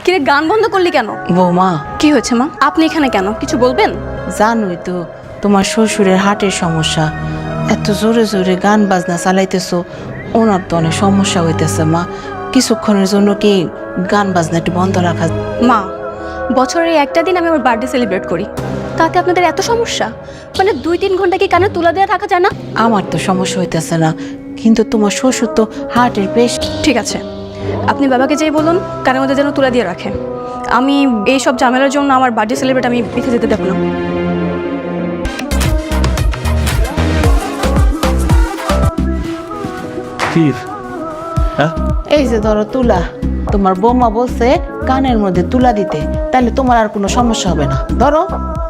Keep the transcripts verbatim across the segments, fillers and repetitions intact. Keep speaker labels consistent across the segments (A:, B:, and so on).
A: কিরে গান বন্ধ করলি কেন?
B: বৌমা,
A: কি হয়েছে মা? আপনি এখানে কেন? কিছু বলবেন?
B: জানোই তো তোমার শ্বশুরের হার্টের সমস্যা। এত জোরে জোরে গান বাজনা চালাইতেছো, ওনার তো অনেক সমস্যা হইতেছে মা। কিছুক্ষণের জন্য কি গান বাজনা একটু বন্ধ রাখা?
A: মা, বছরের একটা দিন আমি আমার বার্থডে সেলিব্রেট করি, তাতে আপনাদের এত সমস্যা? মানে দুই তিন ঘন্টা কি কানে তুলা দেওয়া থাকা যায় না?
B: আমার তো সমস্যা হইতেছে না, কিন্তু তোমার শ্বশুর তো হার্টের পেশেন্ট।
A: ঠিক আছে, আপনি বাবাকে যেই বলুন কানের মধ্যে যেন তুলা দিয়ে রাখে। আমি এই সব ঝামেলার জন্য আমার বার্থডে সেলিব্রেট আমি পিছিয়ে যেতে দেবো না।
C: হ্যাঁ,
B: এই যে ধরো তুলা, তোমার বৌমা বলছে কানের মধ্যে তুলা দিতে, তাহলে তোমার আর কোনো সমস্যা হবে না। ধরো।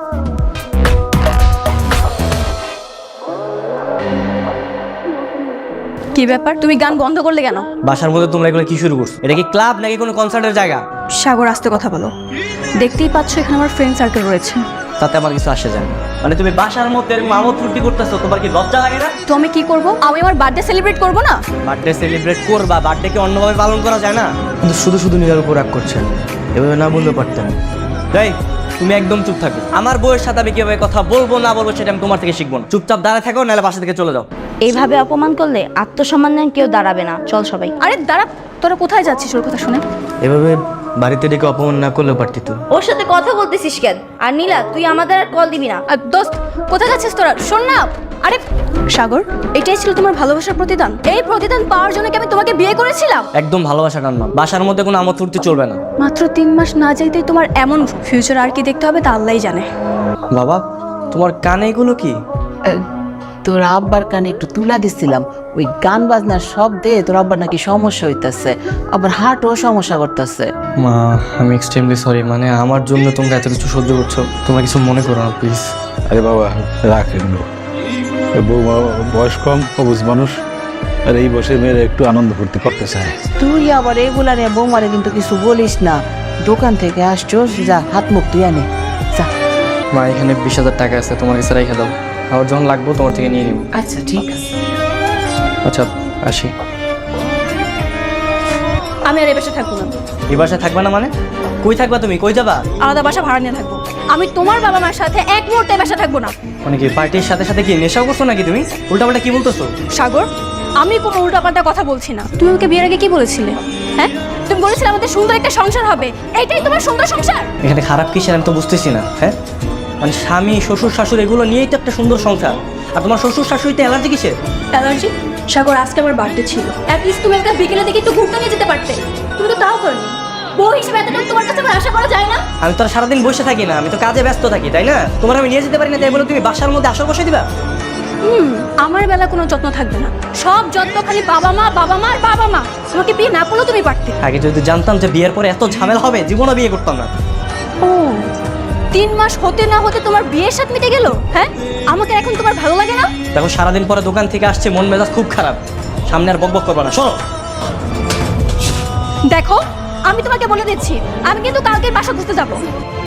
A: কি ব্যাপার, তুমি গান বন্ধ করলে কেন?
C: বাসার মধ্যে তোমরা এগুলো কি শুরু করছো? এটা কি ক্লাব নাকি কোনো কনসার্টের জায়গা?
A: সাগর, আস্তে কথা বলো। দেখতেই পাচ্ছ এখানে আমার ফ্রেন্ড সার্কেল রয়েছে।
C: তাতে আমার কিছু আসে যায় না। মানে তুমি বাসার মধ্যে এরকম আমোদ ফুর্তি করতেছো, তোমার কি লজ্জা লাগে না?
A: তো আমি কি করব? আমি আমার বার্থডে সেলিব্রেট করব না?
C: বার্থডে সেলিব্রেট করবা, বার্থডে কি অন্যভাবে পালন করা যায় না? কিন্তু শুধু শুধু নিজের উপর রাগ করছেন, এভাবে না বললেও পারতেন। তাই তুমি একদম চুপ থাকো। আমার বউয়ের সাথে আমি কিভাবে কথা বলবো না বলবো সেটা আমি তোমার থেকে শিখবো না। চুপচাপ দাঁড়ায় থাকো, নাহলে বাসা থেকে চলে যাও।
D: এইভাবে অপমান করলে আত্মসম্মান নিয়ে কেউ দাঁড়াবে না। চল সবাই।
A: আরে দাঁড়া, তোরা কোথায় যাচ্ছিস ওর কথা শুনে?
C: এভাবে বাড়িতে ডেকে অপমান না করলেও পারতি তো।
D: ওর সাথে কথা বলতেছিস কেন? আর নীলা, তুই আমাদের আর কল দিবি না।
A: আর দোস্ত, কোথায় যাচ্ছিস তোরা? শোন না। আরে সাগর, এটাই ছিল তোমার ভালোবাসার প্রতিদান? এই প্রতিদান পাওয়ার জন্য কি আমি তোমাকে বিয়ে করেছিলাম?
C: একদম ভালোবাসা টান না। বাসার মধ্যে কোনো আমোদ ফুর্তি চলবে না।
A: মাত্র তিন মাস না যাইতেই তোমার এমন ফিউচার, আর কি দেখতে হবে তা আল্লাহই জানে।
C: বাবা, তোমার কানে এগুলো কি?
B: আহ, তোর আব্বার কানে একটু তুলা দিছিলাম, ওই গান বাজনার শব্দে তোর আব্বার নাকি সমস্যা হইতাছে, আবার হার্টও সমস্যা করতেছে।
C: মা, আমি এক্সট্রিমলি সরি। মানে আমার জন্য তোমরা এত কিছু সহ্য করছো, তোমরা কিছু মনে করো না প্লিজ।
E: আরে বাবা রাখেন, বৌমা বয়স কম, অবুঝ মানুষ, আর এই বসে মেয়েরা একটু আনন্দ ফুর্তি করতে চায়।
B: তুই আবার এগুলা নিয়ে বৌমারে কিন্তু কিছু বলিস না। দোকান থেকে আসছোস, যা হাত মুখ তুই আনে যা।
C: মা, এখানে বিশ হাজার টাকা আছে, তোমার কাছে রেখে দাও। আমার যখন লাগবো তোমার থেকে নিয়ে নিব।
B: আচ্ছা ঠিক আছে।
C: আচ্ছা, আসি।
A: আমি আর এ বাসায় থাকবো না।
C: এই বাসায় থাকবা না মানে? কই থাকবা তুমি? কই যাবা?
A: আলাদা বাসা ভাড়া নিয়ে থাকবো। আমি তোমার বাবা মার সাথে এক মুহূর্তে বাসা থাকবো না।
C: মানে কি পার্টির সাথে সাথে কি নেশাও করছো নাকি তুমি? উল্টাপাল্টা কি বলতেছো?
A: সাগর, আমি কোনো উল্টাপাল্টা কথা বলছি না। তুমি আমাকে বিয়ের আগে কি বলেছিলে? হ্যাঁ, তুমি বলেছিলে আমাদের সুন্দর একটা সংসার হবে। এইটাই তোমার সুন্দর সংসার?
C: এখানে খারাপ কিসের আমি তো বুঝতেছি না। হ্যাঁ, মানে স্বামী শ্বশুর শাশুড়ি এগুলো নিয়েই তো একটা সুন্দর সংসার। আর তোমার শ্বশুর শাশুড়িতে অ্যালার্জি কিসের?
A: অ্যালার্জি? সাগর, আজকে আমার বার্থডে ছিল, অ্যাটলিস্ট তুমি একটা বিকেলে দেখে একটু ঘুরতে নিয়ে যেতে পারতে। তুমি তো তাও করনি। বউ হিসেবে এতটা তোমার কাছে আমার আশা করা যায় না?
C: আমি তো আর সারাদিন বসে থাকি না, আমি তো কাজে ব্যস্ত থাকি, তাই না? তোমার আমি নিয়ে যেতে পারি না, তাই বলে তুমি বাসার মধ্যে আসর বসে দিবা?
A: হুম, আমার বেলা কোনো যত্ন থাকবে না। সব যত্ন খালি বাবা মা, বাবা মা আর বাবা মা। তোমাকে বিয়ে না করলেও তুমি পারতে।
C: আগে যদি জানতাম যে বিয়ের পরে এত ঝামেলা হবে, জীবনও বিয়ে করতাম না।
A: ও, তিন মাস হতে না হতে তোমার বিয়ের সাথে মিটে গেল? হ্যাঁ, আমাকে এখন তোমার ভালো লাগে না?
C: দেখো, সারাদিন পরে দোকান থেকে আসছে, মন মেজাজ খুব খারাপ। সামনে আর বকবক করবা না, শোনো।
A: দেখো, আমি তোমাকে বলে দিচ্ছি, আমি কিন্তু কালকের বাসা খুঁজতে যাবো।